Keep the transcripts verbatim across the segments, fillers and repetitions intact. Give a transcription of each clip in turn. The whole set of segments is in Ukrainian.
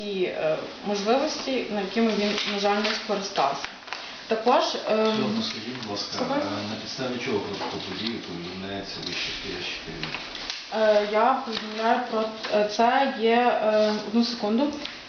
ті е, можливості, на якими він, на жаль, не скористався. Також, е, Чорно, скажіть, будь ласка, на підставі чого протокол події повідомляється вище стоящий керівник? е, я повідомляю про це, є, е, одну секунду,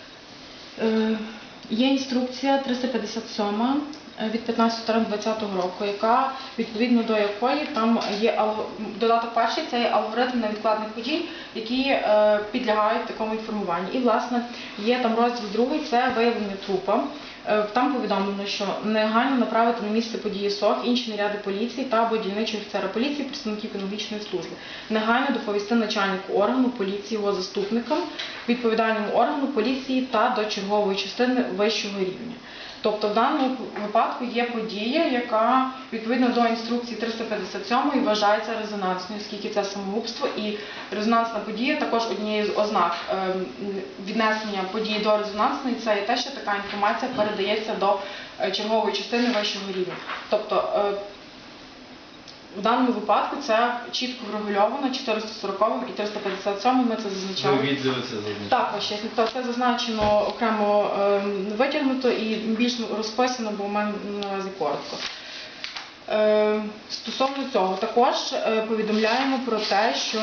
е, є інструкція триста п'ятдесят сьома від п'ятнадцятого двадцятого року, яка, відповідно до якої там є додаток перший, це є алгоритм невідкладних подій, які е, підлягають такому інформуванню. І, власне, є там розділ другий, це виявлення трупа. Е, там повідомлено, що негайно направити на місце події СОГ інші наряди поліції та або дільничого офіцера поліції, представників кінологічної служби. Негайно доповісти начальнику органу поліції, його заступникам, відповідальному органу поліції та до чергової частини вищого рівня. Тобто в даному випадку є подія, яка відповідно до інструкції триста п'ятдесят сьомої вважається резонансною, оскільки це самогубство, і резонансна подія також однією з ознак віднесення події до резонансної, це є те, що така інформація передається до чергової частини вищого рівня. Тобто в даному випадку це чітко врегульовано чотириста сороковим і триста п'ятдесят сьомим, ми це зазначали. Ви відділи це зазначено? Так, ваше честь. Тобто це зазначено окремо е, витягнуто і більш розписано, бо в мене наразі коротко. Е, стосовно цього, також е, повідомляємо про те, що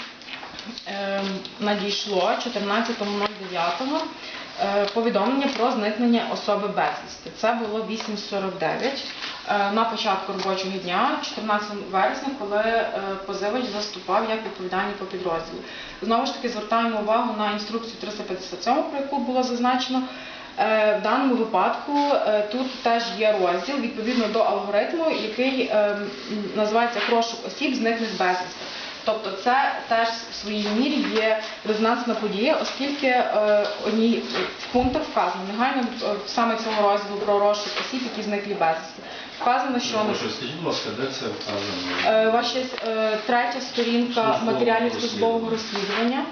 е, надійшло чотирнадцятого дев'ятого е, повідомлення про зникнення особи безвісти. Це було вісім сорок дев'ять. На початку робочого дня, чотирнадцятого вересня, коли е, позивач заступав як відповідальний по підрозділу. Знову ж таки, звертаємо увагу на інструкцію триста п'ятдесят сьому, про яку було зазначено. Е, в даному випадку е, тут теж є розділ, відповідно до алгоритму, який е, називається «Розшук осіб, зниклих безвісти». Тобто це теж в своїй мірі є резонансна подія, оскільки е, одній в пунктах вказано негайно е, саме цього розділу про розшук осіб, які зникли безвісти. Вказано, що... Ну, що скажіть, будь ласка, де це вказано? Е, ваша е, третя сторінка матеріалів службового розслідування.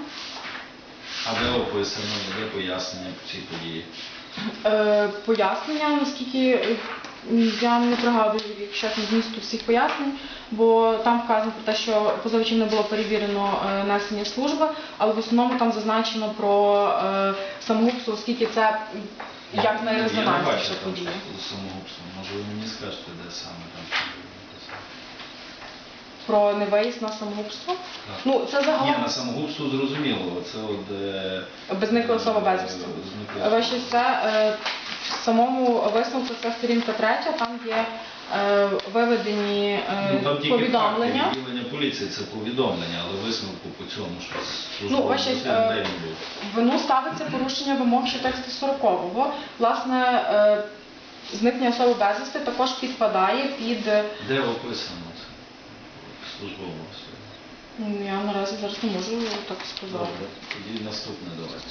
А де описано, де пояснення по цій події? Е, пояснення, наскільки я не пригадую, якщо чесно, змісту всіх пояснень, бо там вказано про те, що позивачем не було перевірено е, несення служби, але в основному там зазначено про е, самогубство, оскільки це як найрезонансніша подія. Самогубство. Може ви мені скажете, де саме там? Про невиїзд на самогубство? Так. Ну, це загалом... Ні, на самогубство зрозуміло. Це от... Е... Зникла особа безвісти. Ваше це е, в самому висновку це сторінка третя, там є е, виведені е, ну, там повідомлення. Факти, відділення поліції це повідомлення, але висновку по цьому, що службове ну, ваше, розслідування е, не було. Вину ставиться порушення вимог ще тексту сорокового. Власне, е, зникнення особи безвісти також підпадає під... Де описано це? Службове розслідування? Я наразі зараз не можу так сказати. Добре, тоді наступне давайте.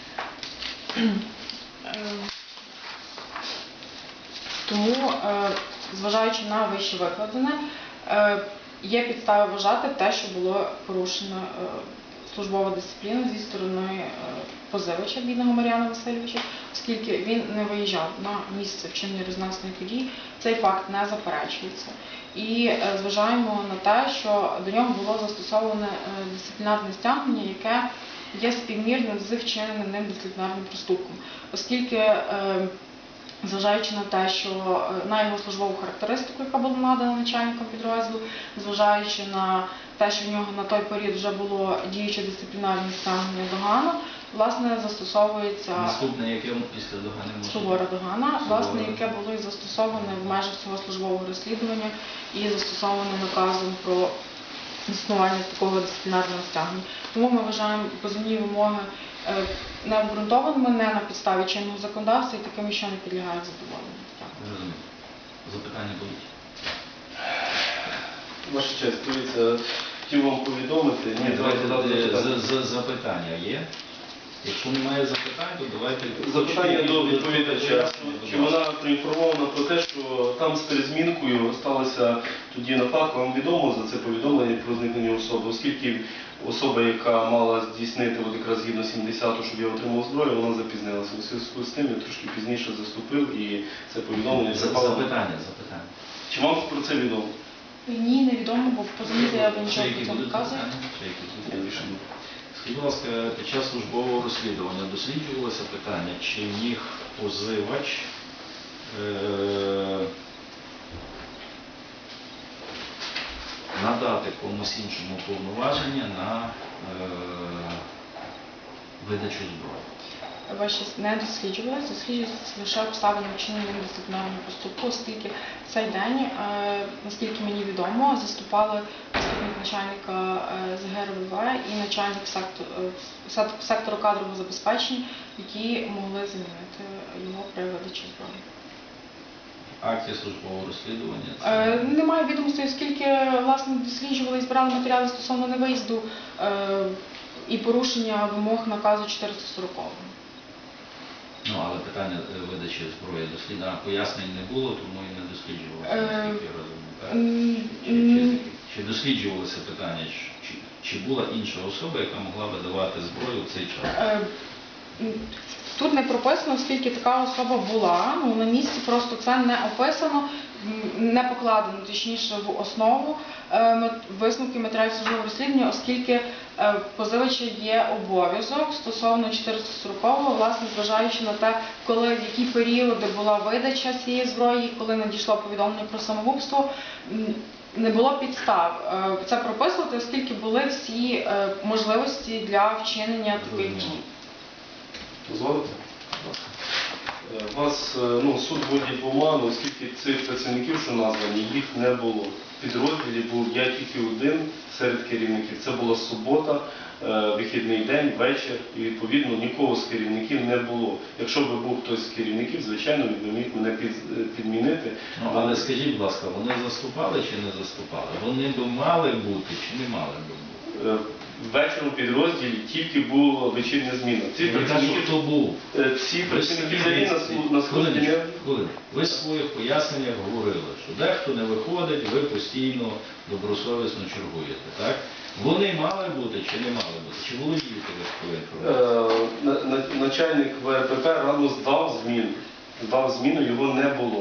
Тому, зважаючи на вище викладене, є підстави вважати те, що було порушено службова дисципліна зі сторони позивача, бідного Мар'яна Васильовича, оскільки він не виїжджав на місце вчинення резонансної події, цей факт не заперечується. І зважаємо на те, що до нього було застосоване дисциплінарне стягнення, яке є співмірним з вчиненим ним дисциплінарним проступком, оскільки, зважаючи на те, що на його службову характеристику, яка була надана начальником підрозділу, зважаючи на те, що в нього на той період вже було діюче дисциплінарне стягнення догана, власне, застосовується... Наступне, яке після догани може... Сувора догана, власне, яке було і застосоване в межах цього службового розслідування і застосоване наказом про існування такого дисциплінарного стягнення. Тому ми вважаємо позовні вимоги необґрунтованими, не на підставі чинного законодавства і такими, що не підлягають задоволенню. Розумію. Запитання будуть? Ваша честь, дивіться, хотів вам повідомити. Ні, давайте дати запитання є. Якщо немає запитань, то давайте... Запитання до відповідача. Чи вона проінформована про те, що там з перезмінкою сталося тоді нападка, вам відомо за це повідомлення про зникнення особи, оскільки особа, яка мала здійснити от якраз згідно сімдесятого, щоб я отримав зброю, вона запізнилася. У зв'язку з тим я трошки пізніше заступив і це повідомлення... Запитання, запитання. Чи вам про це відомо? Ні, невідомо, бо в позовній заяві нічого про це не вказує. Скажіть, будь ласка, під час службового розслідування досліджувалося питання, чи міг позивач е- надати комусь іншому повноваження на е- видачу зброї? Ваші не досліджувалися, досліджується лише обставини вчинення дисциплінарного поступку, оскільки в цей день, е, наскільки мені відомо, заступали заступник начальника е, з ге ер ве ве і начальник сектору, е, сек- сектору кадрового забезпечення, які могли замінити його при видачі зброї. В акті службового розслідування це... Е, Немає відомостей, оскільки власне досліджували і збирали матеріали стосовно невиїзду е, і порушення вимог наказу чотириста сорокового. Ну, але питання е, видачі зброї дослідження пояснень не було, тому і не досліджувалося, Е, наскільки я розумію. так? М, Чи, м, чи, чи досліджувалося питання, чи, чи була інша особа, яка могла видавати зброю в цей час? Е, м, Тут не прописано, оскільки така особа була, ну на місці просто це не описано, м, не покладено, точніше, в основу е, мет- висновки матеріалів службового розслідування, оскільки е, позивача є обов'язок стосовно чотириста сорокового, власне, зважаючи на те, коли, в які періоди була видача цієї зброї, коли надійшло повідомлення про самогубство, м, не було підстав е, це прописувати, оскільки були всі е, можливості для вчинення таких дій. Дозволите? Е, Вас е, ну, суд вводить в оману, оскільки цих працівників, що названі, їх не було. В підрозділі був я тільки один серед керівників. Це була субота, е, вихідний день, вечір, і відповідно нікого з керівників не було. Якщо б був хтось з керівників, звичайно, він би міг мене під- підмінити. Ну, але скажіть, будь ласка, вони заступали чи не заступали? Вони б мали бути чи не мали б бути? Е, Ввечері у підрозділі тільки була вечірня зміна. Ці Я кажу, працівники, хто був? е, ці працівники взагалі на слу- на службі не... Хвилиночку, хвилиночку. Ви в своїх поясненнях говорили, що дехто не виходить, ви постійно добросовісно чергуєте, так? Вони мали бути чи не мали бути? Чи володієте ви такою інформацією? Е, на- на- Начальник ве ер пе пе рано здав зміну. Здав зміну, його не було.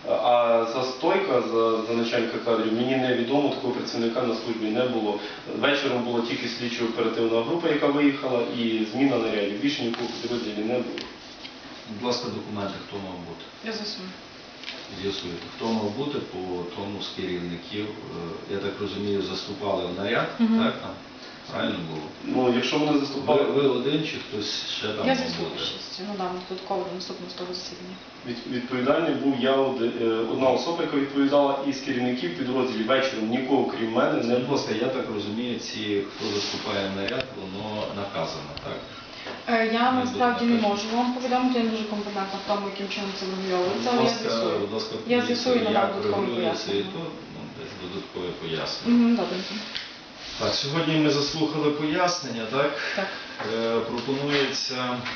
А застойка за, за начальника кадрів мені невідомо, такого працівника на службі не було. Вечором була тільки слідчо-оперативна група, яка виїхала, і зміна нарядів. Більше нікого в підрозділі не було. Будь ласка, документи, хто мав бути? Я засую. З'ясуєте, хто мав бути по тому з керівників, е, я так розумію, заступали в наряд, Мгм. так там? Правильно було? Ну, якщо вони Ви, заступали, ви один чи хтось ще там Я мав засую бути? щось, ну дам додатково до наступного з того засідання. від- відповідальний був я, оди- е, одна особа, яка відповідала, і з керівників підрозділів вечором нікого, крім мене, не Скажіть, будь було. ласка, я так розумію, ці, хто заступає в наряд, воно наказано, так? Е, Я Ми насправді не будемо можу вам повідомити, я не дуже компетентна в тому, яким чином це врегульовується, Будь але я ласка, з'ясую. будь ласка, Я подивіться, з'ясую і надам як додаткове регулюється і пояснення. тут, ну, десь додаткове пояснення. Мгм, добренько. Так, сьогодні ми заслухали пояснення, так? Так. Е, пропонується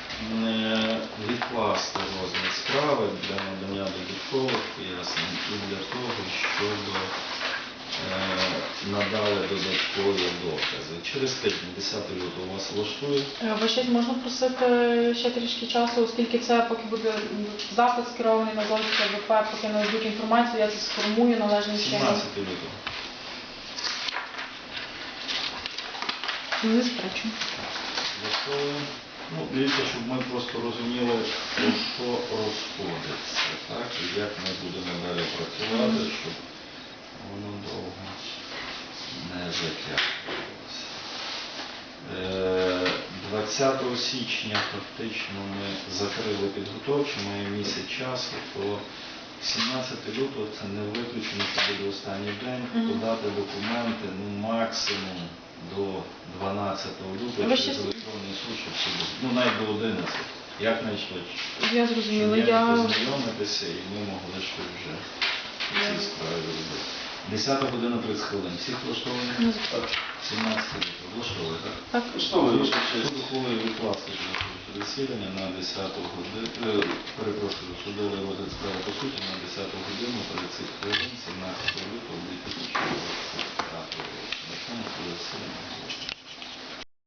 е, відкласти розгляд справи для надання додаткових пояснень і для того, щоб е, надали додаткові докази. Через тиждень, десятого лютого, вас влаштує? Е, Ви щось можна просити ще трішки часу, оскільки це поки буде м, запит скерований на злочинське ве пе, поки не дадуть інформацію, я це сформую належним чином. сімнадцятого лютого. Не заперечую. Влаштовує. Ну, дивіться, щоб ми просто розуміли, про що розходиться, так, і як ми будемо далі працювати, щоб воно довго не затягувалося. Е, двадцятого січня фактично ми закрили підготовчу, маємо місяць часу, то сімнадцятого лютого це не виключено, що буде останній день, Мгм. подати документи, ну, максимум до дванадцятого лютого Ви через ще- електронний суд, щоб всі були. Ну, навіть до одинадцятого, як найшвидше. Я Щоб зрозуміла. я Я... познайомитися і ми могли щось вже в цій справі робити. десята година тридцять хвилин. Всіх влаштовані? Не заперечую. сімнадцятого лютого. Влаштовує, так? Так. Що ви Суд ще? ухвалив відкласти засідання на десяту годину, перепрошую, судовий розгляд справи по суті на десяту годину тридцять хвилин, сімнадцятого лютого дві тисячі двадцять п'ятого року. На цьому судове засідання.